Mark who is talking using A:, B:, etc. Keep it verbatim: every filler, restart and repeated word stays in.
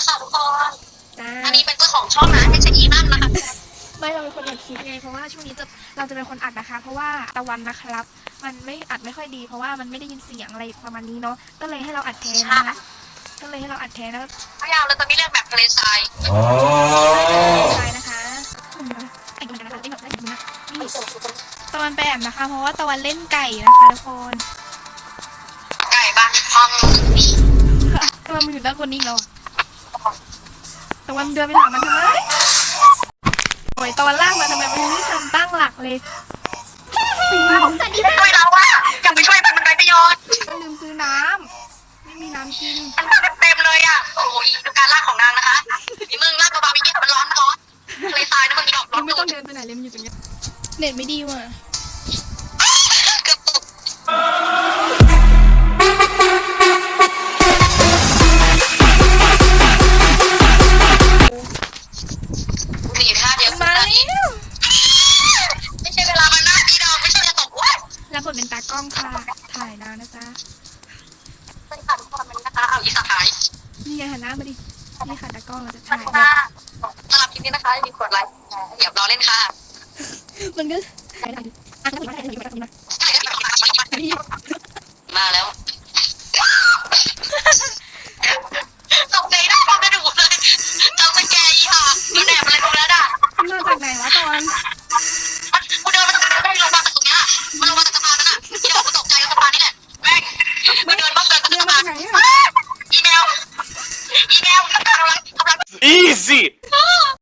A: ค่ะทุกคน
B: จ้า
A: อันนี้เป็นเจ้าของช่องนะไม่ใช่อีนั่นนะคะ
B: ไม่เราเป็นคนอัดคลิปไงเพราะว่าช่วงนี้จะเราจะเป็นคนอัดนะคะ เพราะว่าตะวันนะครับ มันไม่อัดไม่ค่อยดี เพราะว่ามันไม่ได้ยินเสียงอะไรประมาณนี้เนาะก็เลยให้เราอัดแทนนะคะก็เลยให้เราอัดแทนแล้ว
A: พยายามเราจะไม่เรียกแบบทะเลทราย
B: ใช่นะคะไอ้กันนะคะไอ้แบบไอ้กันนะนี่ตะวันไปแอบนะคะ เพราะว่าตะวันเล่นไก่นะคะทุกคน
A: ไก่บ้านห้องนี่
B: ตะวันมันอยู่ด้านคนนี้แล้วตะวันเดินไปถามมันทำไมโอ้ยตะวันลากมาทำไมมันไม่ทันตั้งหลักเลย
A: สันนี่ช่วยเราอะยังไม่ช่วยมันมันไร้ประโยชน์
B: ก็ลืมซื้อน้ำไม่มีน้ำกิน
A: มันมาเต็มเลยอะโอ้โหอีดูการลากของนางนะคะนี่มึงลากเบาๆอย่างเงี้ยมันร้อนร้อนทะเลทรายนะมึงดอกร้อ
B: มัน นไม่
A: สุ
B: ต้อ
A: ด
B: งเดินไปไหนเลยมันอยู่ตรงนี้เน็ตไม่ดีว่ะ
A: เกือบตกสี่ท่าเดียว
B: มาแล้ว
A: ไม่ใช่เวลามันหน้าดีดอกไม่ใช่จะตกว้าย
B: แล้วบทเป็นตากล้องค่ะถ่ายนานนะจ๊ะ
A: เป็นค่ะทุกคนมันนะคะเอาอีสหาย
B: นี่ไงหันหน้ามาดินี่ค่ะตากล้องเราจะ
A: ขอบ
B: ถ่าย
A: คุณค่ะสำหรับคลิปนี้นะคะอย่าลืมกดไลค์เดี๋ยวรอเล่นค่ะ
B: มันก็ถ่ายได้อ่ะถ่ายได้ถ่ายได้ถ่ายได้